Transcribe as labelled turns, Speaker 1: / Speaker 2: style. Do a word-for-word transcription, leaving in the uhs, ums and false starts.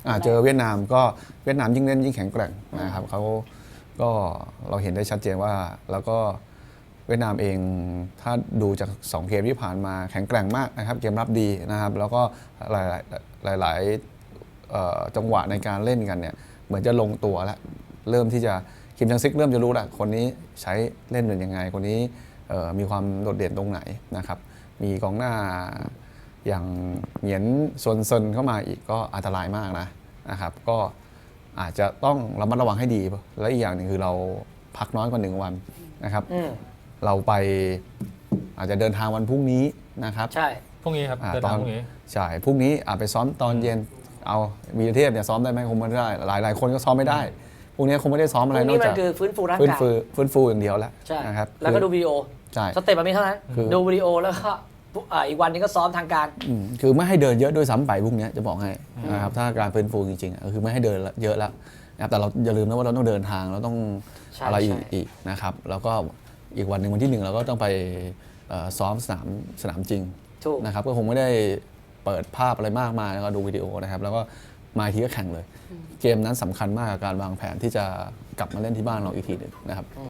Speaker 1: เจอเวียดนามก็เวียดนามยิ่งเล่นยิ่งแข็งแกร่งนะครับเขาก็เราเห็นได้ชัดเจนว่าแล้วก็เวียดนามเองถ้าดูจากสองเกมที่ผ่านมาแข็งแกร่งมากนะครับเกมรับดีนะครับแล้วก็หลายๆหลายๆจังหวะในการเล่นกันเนี่ยเหมือนจะลงตัวแล้วเริ่มที่จะคิมจังซิกเริ่มจะรู้แล้วคนนี้ใช้เล่นเป็นยังไงคนนี้มีความโดดเด่นตรงไหนนะครับมีกองหน้าอย่างเหงียนซวนเซินเข้ามาอีกก็อันตรายมากนะนะครับก็อาจจะต้องระมัดระวังให้ดีและอีกอย่างหนึ่งคือเราพักน้อยกว่าหนึ่งวันนะครับเราไปอาจจะเดินทางวันพรุ่งนี้นะครับ
Speaker 2: ใช่
Speaker 3: พรุ่งนี้ครับเดินทางพรุ่งนี้
Speaker 1: ใช่พรุ่งนี้อาจไปซ้อมตอนเย็นเอาวีรเทพเนี่ยซ้อมได้ไหมคงไม่ได้หลายหลายคนก็ซ้อมไม่ได้พรุ่งนี้คงไม่ได้ซ้อมอะไรนอกจาก
Speaker 2: คือฟื้นฟูร่างกาย
Speaker 1: ฟื้นฟูอย่างเดียวแล้วนะครับ
Speaker 2: แล้วก็ดูวิดีโอ
Speaker 1: ใช่
Speaker 2: สเต็ปแบบนี้เท่านั้นดูวิดีโอแล้วก็อีกวันนึงก็ซ้อมทางการ
Speaker 1: คือไม่ให้เดินเยอะด้วยซ้ำไปพรุ่งนี้จะบอกให้นะครับถ้าการฟื้นฟูจริงๆคือไม่ให้เดินเยอะแล้วนะครับแต่เราอย่าลืมนะว่าเราต้องเดินทางเราต้องอะไรอีกนะครับแล้วก็อีกวันหนึ่งวันที่หนึ่งเราก็ต้องไปซ้อมสนามสนามจริงนะครับก็คงไม่ได้เปิดภาพอะไรมากมายแล้วก็ดูวิดีโอนะครับแล้วก็มาทีก็แข่งเลยเกมนั้นสำคัญมากกับการวางแผนที่จะกลับมาเล่นที่บ้านเราอีกทีหนึ่งนะครับ